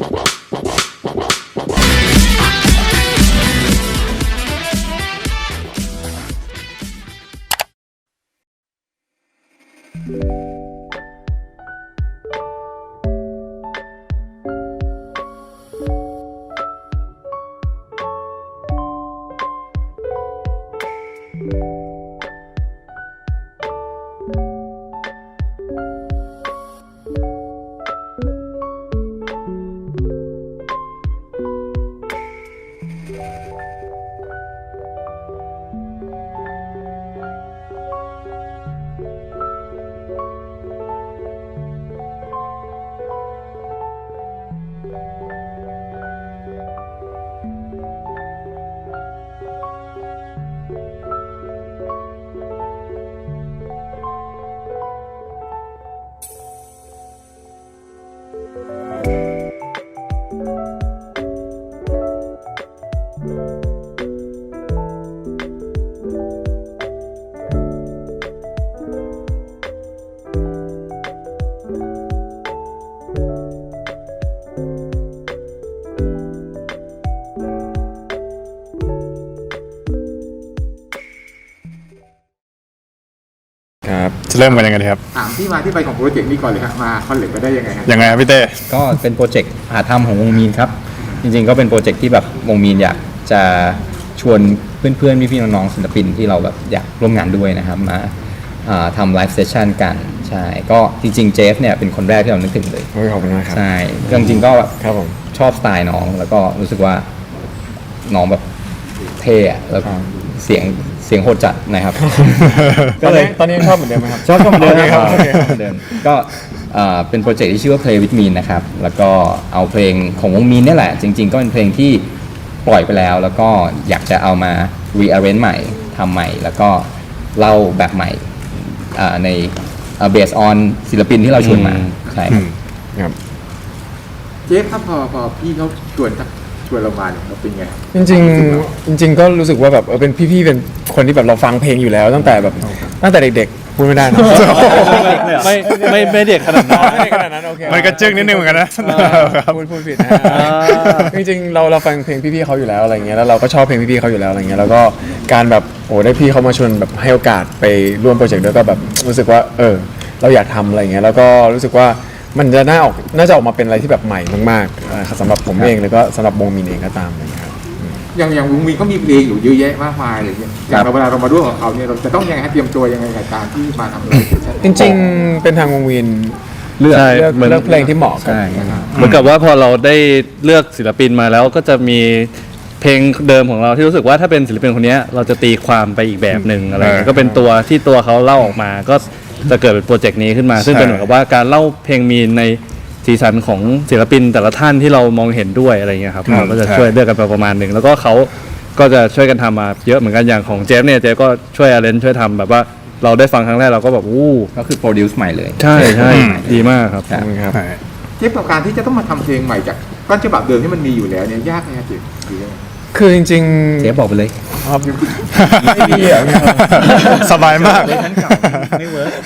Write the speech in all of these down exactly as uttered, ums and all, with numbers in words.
จะเริ่มกันยังไงดีครับถามที่มาที่ไปของโปรเจกต์นี้ก่อนเลยครับมาคอนเล็กไปได้ยังไงครับยังไงครับพี่เต้ก็เป็นโปรเจกต์หาทำของวงมีนครับจริงๆก็เป็นโปรเจกต์ที่แบบวงมีนอยากจะชวนเพื่อนๆพี่ๆน้องๆศิลปินที่เราแบบอยากร่วมงานด้วยนะครับมาทำไลฟ์เซสชั่นกันใช่ก็จริงๆเจฟเนี่ยเป็นคนแรกที่เรานึกถึงเลยขอบคุณมากครับใช่จริงๆก็ครับผมชอบสไตล์น้องแล้วก็รู้สึกว่าน้องแบบเท่แล้วเสียงเสียงโหดจัดนะครับก็เลยตอนนี้ชอบเหมือนเดิมไหมครับชอบชอบเหมือนเดิมครับเหมือนเดิมก็เป็นโปรเจกต์ที่ชื่อว่า Play with Mean นะครับแล้วก็เอาเพลงของวงมีนนี่แหละจริงๆก็เป็นเพลงที่ปล่อยไปแล้วแล้วก็อยากจะเอามา rearrange ใหม่ทำใหม่แล้วก็เล่าแบบใหม่ใน based on ศิลปินที่เราชวนมาใช่ครับเจฟครับพอพอพี่เขาชวนชวนเรามาเนี่ยเราเป็นไงจริงๆจริงๆก็รู้สึกว่าแบบเออเป็นพี่ๆเป็นคนที่แบบเราฟังเพลงอยู่แล้วตั้งแต่แบบตั้งแต่เด็กๆพูดไม่ได้นะไม่ไม่ไม่เด็กขนาดนั้นไม่เด็กขนาดนั้นโอเคมันก็จึ้งนิดนึงเหมือนกันนะพูดพูดผิดนะจริงๆเราเราฟังเพลงพี่ๆเขาอยู่แล้วอะไรเงี้ยแล้วเราก็ชอบเพลงพี่ๆเขาอยู่แล้วอะไรเงี้ยแล้วก็การแบบโอ้ได้พี่เขามาชวนแบบให้โอกาสไปร่วมโปรเจกต์ด้วยก็แบบรู้สึกว่าเออเราอยากทำอะไรเงี้ยแล้วก็รู้สึกว่ามันจะน่าออกน่าจะออกมาเป็นอะไรที่แบบใหม่มากๆสำหรับผมเองแล้วก็สำหรับวงมีนเองก็ตามนะครับอย่างอย่างวงมีนก็มีเพลงอยู่เยอะแยะมากมายเลยอย่างเวลาเรามาร่วมกับเขาเนี่ยเราจะต้องยังไงเตรียมตัวยังไงกับการที่มาทำอะไรจริงๆเป็นทางวงมีนเลือกเลือกเพลงที่เหมาะกันเหมือนกับว่าพอเราได้เลือกศิลปินมาแล้วก็จะมีเพลงเดิมของเราที่รู้สึกว่าถ้าเป็นศิลปินคนนี้เราจะตีความไปอีกแบบหนึ่งอะไรก็เป็นตัวที่ตัวเขาเล่าออกมาก็จะเกิดเป็นโปรเจกต์นี้ขึ้นมาซึ่งเป็นเหมือนกับว่าการเล่าเพลงมีในสีสันของศิลปินแต่ละท่านที่เรามองเห็นด้วยอะไรเงี้ยครับเราก็จะช่วยเลือกกันไปประมาณหนึ่งแล้วก็เขาก็จะช่วยกันทำมาเยอะเหมือนกันอย่างของเจฟเนี่ยเจฟก็ช่วยอาร์เรนช่วยทำแบบว่าเราได้ฟังครั้งแรกเราก็แบบอู้ก็คือโปรดิวซ์ใหม่เลยใช่ใช่ดีมากครับครับเจฟกับการที่จะต้องมาทำเพลงใหม่จากต้นฉบับเดิมที่มันมีอยู่แล้วเนี่ยยากไหมครับเจฟคือจริงๆเจฟบอกไปเลยไม่ดีอ่ะสบายมากไม่เวิร์ก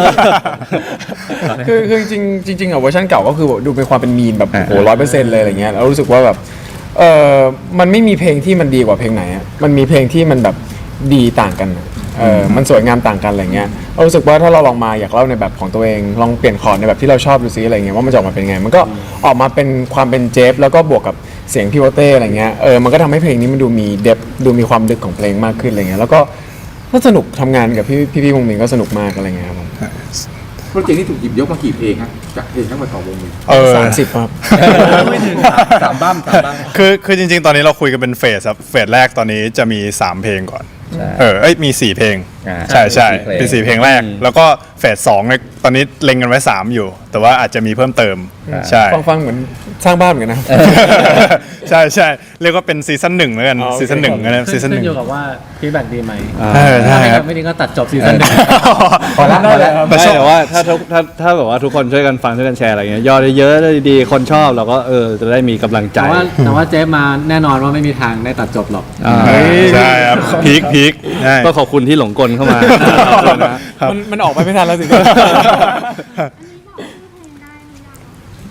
คือคือจริงจริงๆอ่ะเวอร์ชันเก่าก็คือดูเป็นความเป็นมีนแบบโอ้ร้อยเปอร์เซ็นต์เลยอะไรเงี้ยแล้วรู้สึกว่าแบบเออมันไม่มีเพลงที่มันดีกว่าเพลงไหนอ่ะมันมีเพลงที่มันแบบดีต่างกันเออมันสวยงามต่างกันอะไรเงี้ยเรารู้สึกว่าถ้าเราลองมาอยากเล่าในแบบของตัวเองลองเปลี่ยนคอร์ดในแบบที่เราชอบดูซิอะไรเงี้ยว่ามันจะออกมาเป็นไงมันก็ออกมาเป็นความเป็นเจฟแล้วก็บวกกับเสียงพี่โอเต้อะไรเงี้ยเออมันก็ทำให้เพลงนี้มันดูมีเดฟดูมีความลึกของเพลงมากขึ้นอะไรเงี้ยแล้วก็ก็สนุกทำงานกับพี่พี่พี่วงมินก็สนุกมากอะไรเงี้ยครับโปรเจกต์นี้ถูกหยิบยกมากี่เพลงครับจากเพลงทั้งหมดของวงมินสามสิบครับไม่ถึงสามบ้ามสามบ้ามคือคือจริงๆตอนนี้เราคุยกันเป็นเฟสครับเฟสแรกตอนนี้จะมีสามเพลงก่อนเออเอ้ยมีสี่เพลงใช่ใช่เป็นสี่เพลงแรกแล้วก็เฟสสองเนี่ยตอนนี้เล็งกันไว้สามอยู่แต่ว่าอาจจะมีเพิ่มเติมใช่ฟังฟังเหมือนสร้างบ้านเหมือนกันนะใช่ใช่เรียกว่าเป็นซีซั่นหนึ่งแล้วกันซีซั่นหนึ่งนะซีซั่นหนึ่งอยู่กับว่าฟีดแบ็กดีไหมใช่ครับไม่ดีก็ตัดจบซีซั่นหนึ่งพอแล้วพอแล้วแต่ว่าถ้าถ้าถ้าแบบว่าทุกคนช่วยกันฟังช่วยกันแชร์อะไรเงี้ยยอดเยอะๆดีคนชอบเราก็เออจะได้มีกำลังใจแต่ว่าแต่ว่าเจฟมาแน่นอนว่าไม่มีทางได้ตัดจบหรอกใช่ครับพีคพีคก็ขอบคุณที่หลงกลเข้ามามันมันออกไปไม่ทันแล้วสิ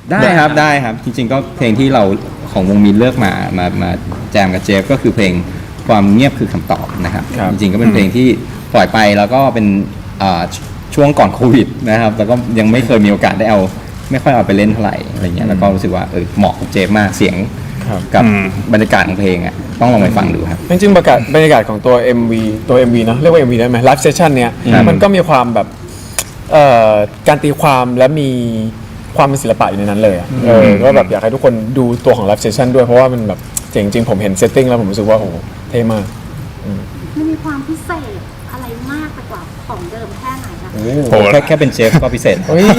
ได้ครับได้ครับจริงๆก็เพลงที่เราของวงมีนเลือกมามามาแจมกับเจฟก็คือเพลงความเงียบคือคำตอบนะครับครับจริงๆก็เป็นเพลงที่ปล่อยไปแล้วก็เป็นอ่าชช่วงก่อนโควิดนะครับแล้วก็ยังไม่เคยมีโอกาสได้เอาไม่ค่อยเอาไปเล่นเท่าไหร่อะไรเงี้ยแล้วก็รู้สึกว่าเออเหมาะกับเจฟมากเสียงครับกับอืมบรรยากาศของเพลงอ่ะต้องลองไปฟังดูครับจริงๆบรรยากาศบรรยากาศของตัว เอ็ม วี ตัว เอ็ม วี เนอะเรียกว่า เอ็ม วี ได้ไหมไลฟ์เซสชันเนี้ยครับมันก็มีความแบบเอ่อการตีความและมีความเป็นศิลปะอยู่ในนั้นเลยอะเออก็แบบอยากให้ทุกคนดูตัวของไลฟ์เซสชันด้วยเพราะว่ามันแบบเจ๋งจริงผมเห็นเซตติ้งแล้วผมรู้สึกว่าโอ้โหเท่มากมันมีความพิเศษอะไรมากไปกว่าของเดิมแค่ไหนคะโอ้โอ้แค่แค่เป็นเจฟก็พิเศษเฮ้ย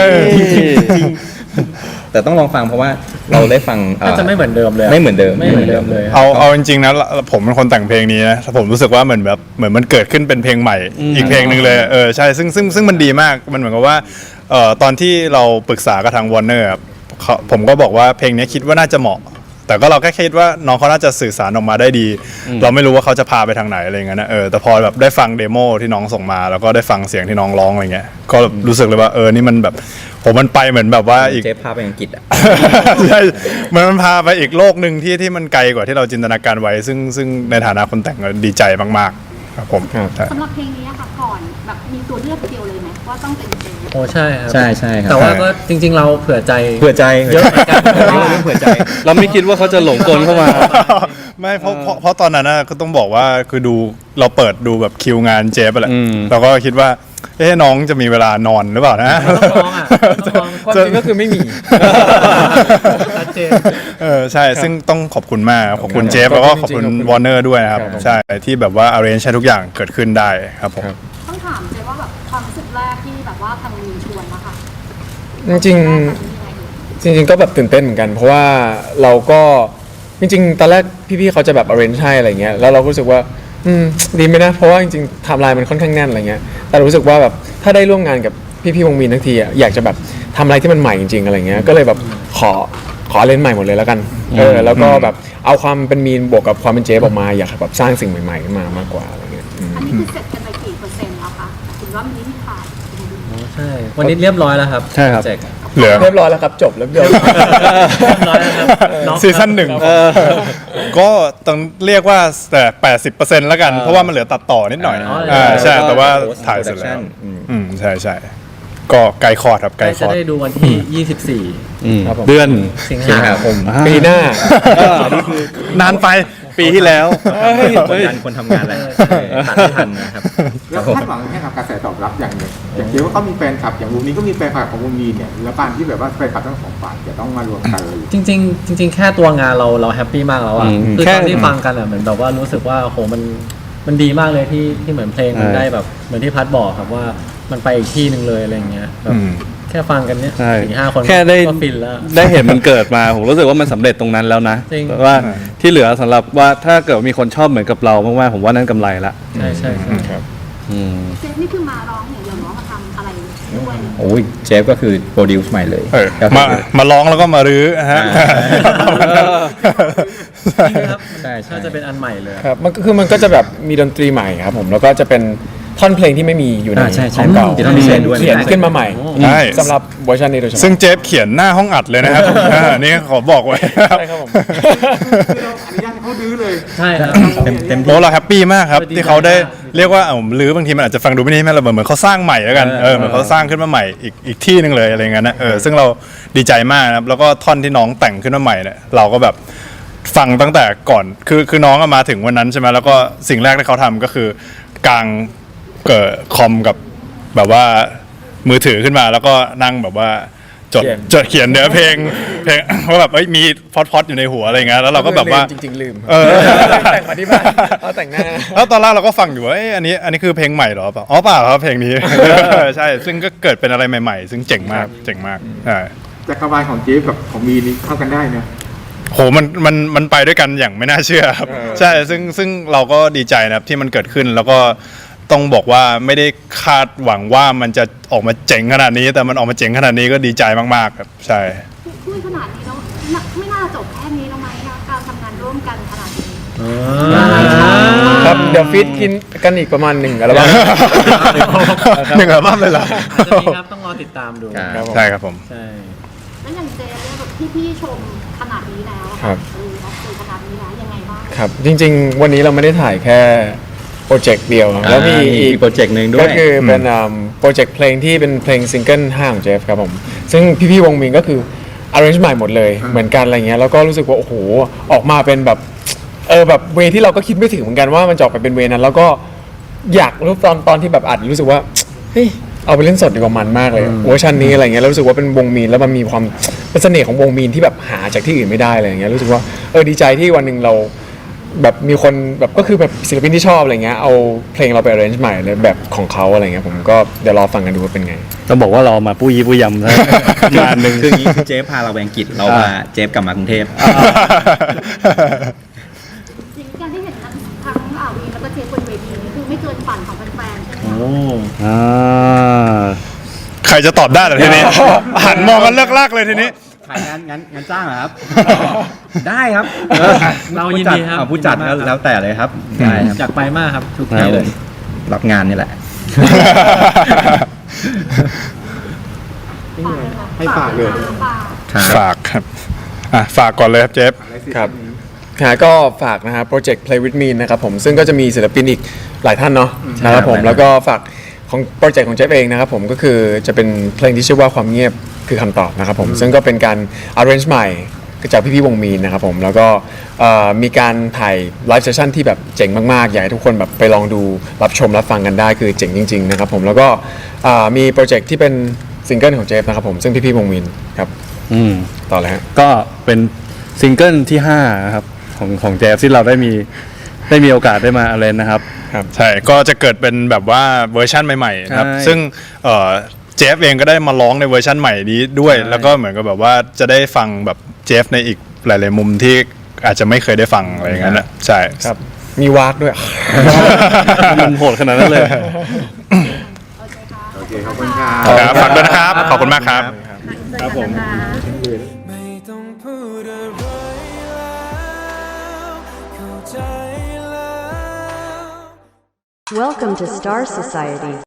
แต่ต้องลองฟังเพราะว่าเราได้ฟังเอ่อน่าจะไม่เหมือนเดิมเลยะไม่เหมือนเดิมไม่เหมือนเดิมเลยเอาเอาจริงๆนะผมเป็นคนแต่งเพลงนี้นะผมรู้สึกว่าเหมือนแบบเหมือนมันเกิดขึ้นเป็นเพลงใหม่ อีกเพลงหนึ่งเลยเออใช่ซึ่งซึ่งซึ่งมันดีมากมันเหมือนกับว่าเอ่อตอนที่เราปรึกษากับทางวอร์เนอร์ผมก็บอกว่าเพลงนี้คิดว่าน่าจะเหมาะ แต่ก็เราแค่คิดว่าน้องเขาน่าจะสื่อสารออกมาได้ดี เราไม่รู้ว่าเขาจะพาไปทางไหนอะไรเงี้ยนะเออแต่พอแบบได้ฟังเดโมที่น้องส่งมาแล้วก็ได้ฟังเสียงที่น้องร้องอะไรเงี้ยก็รู้สึกเลยว่าเออนี่มันแบบผมมันไปเหมือนแบบว่าอีกเจฟพาไปอังกฤษอ่ะใช่มันมันพาไปอีกโลกหนึ่งที่ที่มันไกลกว่าที่เราจินตนาการไว้ ซึ่งซึ่งในฐานะคนแต่งก็ดีใจมากๆครับผมครับใช่สำหรับเพลงนี้อะค่ะก่อนแบบมีตัวเลือกเดียวเลยไหมว่าต้องเป็นเจฟโอ้ใช่ครับใช่ใช่ครับแต่ว่าก็จริง ๆ เราเผื่อใจเผื่อใจเยอะเหมือนกันเรื่องเผื่อใจเราไม่คิดว่าเขาจะหลงกลเข้ามาไม่เพราะเพราะเพราะตอนนั้นนะก็ต้องบอกว่าคือดูเราเปิดดูแบบคิวงานเจฟไปแหละอืมเราก็คิดว่าเอ๊ะน้องจะมีเวลานอนหรือเปล่านะต้องร้องอ่ะต้องร้องความจริงก็คือไม่มีชัดเจนเออใช่ซึ่งต้องขอบคุณมากขอบคุณครับเจฟแล้วก็ขขออบบคุคุณณจริงๆวอร์เนอร์ด้วยนะครับครับใช่ที่แบบว่า arrange ให้ทุกอย่างเกิดขึ้นได้ครับผมครับต้องถามเจฟว่าแบบความรู้สึกแรกที่แบบว่าทางมีชวนนะคะจริงแรกๆมันมีอะไรอยู่จริงๆก็แบบตื่นเต้นเหมือนกัน เพราะว่าเราก็จริงๆตอนแรกพี่ๆเขาจะแบบ arrange ให้อะไรเงี้ยแล้วเราก็รู้สึกว่าอืมดีไหมนะเพราะว่าจริงๆไทม์ไลน์มันค่อนข้างแน่นอะไรเงี้ยแต่รู้สึกว่าแบบถ้าได้ร่วมงานกับพี่ๆวงมีนทั้งทีอะอยากจะแบบทำอะไรที่มันใหม่จริงๆอะไรเงี้ยก็เลยแบบขอขอเล่นใหม่หมดเลยแล้วกันเออแล้วก็แบบเอาความเป็นมีนบวกกับความเป็นเจฟออกมาอยากแบบสร้างสิ่งใหม่ๆขึ้นมามากกว่าอะไรเงี้ยอืมอันนี้คือเสร็จกันไปกี่เปอร์เซ็นต์แล้วคะถึงว่ามีที่ถ่ายใช่ วันนี้เรียบร้อยแล้วครับใช่ครับโปเจกต์เหลือเรียบร้อยแล้วครับจบแล้วเดี๋ยวเรียบร้อยแล้วครับน้องซีซั่นหนึ่งก็ต้องเรียกว่าแต่แปดสิบเปอร์เซ็นต์แล้วกัน เพราะว่ามันเหลือตัดต่อนิดหน่อยอ๋ออ่าใช่แล้วก็แต่ว่า post ถ่ายเสร็จแล้ว production อืมอืมใช่ใช่ก็ไกลคอร์ดครับไกลคจะอร์ดได้ดูวันที่ ยี่สิบสี่อืมครับผมเดือนสิงสิงหาหาคคมมปีหน้านานไปปีที่แล้วกดดันคนทำงานแหละตัดไม่ทันนะครับแล้วคาดหวังแค่กับกระแสตอบรับอย่างหนึ่งอย่างเดียวว่าเขามีแฟนคลับอย่างวงนี้ก็มีแฟนคลับของวงนี้เนี่ยแล้วการที่แบบว่าแฟนคลับทั้งสองฝ่ายจะต้องมารวมกันเลยจริงๆจริง ๆ แค่ตัวงานเราเราแฮปปี้มากแล้วอ่ะอืมคือแค่ตอนที่ฟังกันอ่ะเหมือนแบบว่ารู้สึกว่าโหมันมันดีมากเลยที่ที่เหมือนเพลงมันใช่ได้แบบเหมือนที่พัดบอกครับว่ามันไปอีกที่หนึ่งเลยอะไรเงี้ยแบบอืมแค่ฟังกันเนี้ยใช่สี่ห้าคนแค่ได้ก็ฟินแล้วได้เห็นมันเกิดมา ผมรู้สึกว่ามันสำเร็จตรงนั้นแล้วนะจริงแต่ว่าที่เหลือสำหรับว่าถ้าเกิดมีคนชอบเหมือนกับเรามากๆผมว่านั่นกำไรละใช่ใช่ใช่ครับอืมเจฟนี่คือมาร้องอย่างเดียวเนาะมาทำอะไรด้วยโอ้ยเจฟก็คือโปรดิวซ์ใหม่เลยเออก็คือมามาร้องแล้วก็มารื้อฮะจริงครับใช่ใช่น่าจะเป็นอันใหม่เลยอะครับมันก็คือมันก็จะแบบมีดนตรีใหม่ครับผมแล้วก็จะเป็นท่อนเพลงที่ไม่มีอยู่ในอ่าใช่ใช่ของเก่ามีท่อนพิเศษด้วยเขียนขึ้นมาใหม่ใช่สำหรับเวอร์ชันนี้โดยเฉพาะซึ่งเจฟเขียนหน้าห้องอัดเลยนะครับอ่านี่ขอบอกไว้ใช่ครับผมคือเราอนุญาตให้เขาดื้อเลยใช่ครับเต็มเต็มโอ้เราแฮปปี้มากครับเออดีที่เขาได้มากเรียกว่าเออรื้อบางทีมันอาจจะฟังดูไม่ได้แม่เราเหมือนเหมือนเขาสร้างใหม่แล้วกันเออเหมือนเขาสร้างขึ้นมาใหม่อีกอีกที่หนึ่งเลยอะไรเงี้ยนะเออซึ่งเราดีใจมากนะครับแล้วก็ท่อนที่น้องแต่งขึ้นมาใหม่เนี่ยเราก็แบบฟังตั้งแต่ก่อนคือคือน้องอะมาถึงวันนั้นใช่ไหมแล้วก็สิ่งแรกที่เขาทำก็คือกางเกิดคอมกับแบบว่ามือถือขึ้นมาแล้วก็นั่งแบบว่าจดเขียนจดเขียนเนื้อเพลงเพลงว่าแบบเอ้ยมีพอดพอดอยู่ในหัวอะไรเงี้ยแล้วเราก็แบบว่าจริงๆลืมเออแต่งมาที่บ้านเอาแต่งหน้าแล้วตอนแรกเราก็ฟังอยู่ว่าเอ้ยอันนี้อันนี้คือเพลงใหม่เหรอเปล่าอ๋อเปล่าครับเพลงนี้ ใช่ ซึ่งก็เกิดเป็นอะไรใหม่ๆ ซึ่งเจ๋งมากเจ๋งมากใช่จักรวาลของเจฟกับของมีนี่เข้ากันได้นะโหมันมันมันไปด้วยกันอย่างไม่น่าเชื่อครับใช่ซึ่งซึ่งเราก็ดีใจนะครับที่มันเกิดขึ้นแล้วก็ต้องบอกว่าไม่ได้คาดหวังว่ามันจะออกมาเจ๋งขนาดนี้ แต่มันออกมาเจ๋งขนาดนี้ก็ดีใจมากๆครับใช่พูดขนาดนี้แล้วน่ะไม่น่าจะจบแค่นี้แล้วไหมคะการทำงานร่วมกันขนาดนี้ครับเดี๋ยวฟีดกินกันอีกประมาณหนึ่งอัลบั้มหนึ่งอัลบั้มเลยเหรออาจจะมีครับต้องรอติดตามดูครับใช่ครับผมใช่แแล้วอย่างเจเนี่ยแบบที่พี่ชมขนาดนี้แล้วอะครับเออรับสื่อขนาดนี้แล้วยังไงบ้างครับจริงๆ วันนี้เราไม่ได้ถ่ายแค่โปรเจกต์เดียวนะแล้วมีอ่ามีอีอีกกโปรเจกต์หนึ่งด้วยก็คือเป็นโปรเจกต์เพลงที่เป็นเพลงซิงเกิลห้าของเจฟครับผมซึ่งพี่ๆวงมินก็คือ arrange ใหม่หมดเลยเหมือนกันอะไรเงี้ยแล้วก็รู้สึกว่าโอ้โหออกมาเป็นแบบเออแบบเวที่เราก็คิดไม่ถึงเหมือนกันว่ามันจะออกไปเป็นเวนั้นแล้วก็อยากรู้ตอนตอนที่แบบอัดรู้สึกว่าเฮ้ยเอาไปเล่นสดดีกว่ามันมากเลยเวอร์ชันนี้อะไรเงี้ยแล้วรู้สึกว่าเป็นวงมีนแล้วมันมีความเป็นเสน่ห์ของวงมีนที่แบบหาจากที่อื่นไม่ได้อะไรเงี้ยรู้สึกว่าเออดีใจที่วันหนึ่งเราแบบมีคนแบบก็คือแบบศิลปินที่ชอบอะไรเงี้ยเอาเพลงเราไป arrange ใหม่เลยแบบของเขาอะไรเงี้ยผมก็เดี๋ยวรอฟังกันดูว่าเป็นไงต้องบอกว่าเรามาปุ้ยยี่ปุ้ยยำนะ งานหนึ่งคืออย่างนี้คือเจฟพาเราไปอังกฤษเรามาเจฟกลับมากรุงเทพจริงๆการที่เห็นทั้งทั้งอาวีแล้วก็เจฟบนเวทีนี่คือไม่เกินฝันของแฟนๆใช่ไหมคะอ่าใครจะตอบได้ล่ะทีนี้ หันมองกันเลิกลากเลยทีนี้ขายงานงานงานจ้างเหรอครับ ได้ครับเรายินดีครับอ่าผู้จัดยินดีมากครับแล้วแต่เลยครับได้ครับอยากไปมากครับทุกคที่รับเลผมยรับงานนี่แหละให้ฝากเลยฝากฝากครับอ่ะฝากก่อนเลยครับเจฟครับค่ะก็ฝากนะครับโปรเจกต์ Play with Me นะครับผมซึ่งก็จะมีศิลปินอีกหลายท่านเนาะนะครับผมหลายท่านแล้วก็ฝากของโปรเจกต์ของเจฟเองนะครับผมก็คือจะเป็นเพลงที่ชื่อว่าความเงียบคือคำตอบนะครับผมซึ่งก็เป็นการ arrange ใหม่จากพี่ๆวงมีนนะครับผมแล้วก็เอ่อมีการถ่ายไลฟ์เซสชั่นที่แบบเจ๋งมากๆ อยากให้ทุกคนแบบไปลองดูรับชมรับฟังกันได้คือเจ๋งจริงๆนะครับผมแล้วก็เอ่อมีโปรเจกต์ที่เป็นซิงเกิลของเจฟนะครับผมซึ่งพี่ๆวงมีนครับอืมต่อเลยฮะก็เป็นซิงเกิลที่ห้าครับของของแจ๊สที่เราได้มีได้มีโอกาสได้มาเล่นนะครับใช่ ก็จะเกิดเป็นแบบว่าเวอร์ชั่นใหม่ๆนะครับใช่ซึ่งเอ่อเจฟเองก็ได้มาร้องในเวอร์ชั่นใหม่นี้ด้วยใช่แล้วก็เหมือนกับแบบว่าจะได้ฟังแบบเจฟในอีกหลายๆมุมที่อาจจะไม่เคยได้ฟังอะไรอย่างนั้นนะใช่ครับ มีวากด้วยมันโหดขนาดนั้นเลยโอเคขอบคุณครับครับฝากด้วยนะครับ ขอบคุณมากครับครับผมไม่ต้องพูดอะไรแล้วเข้าใจแล้ว Welcome to Star Society.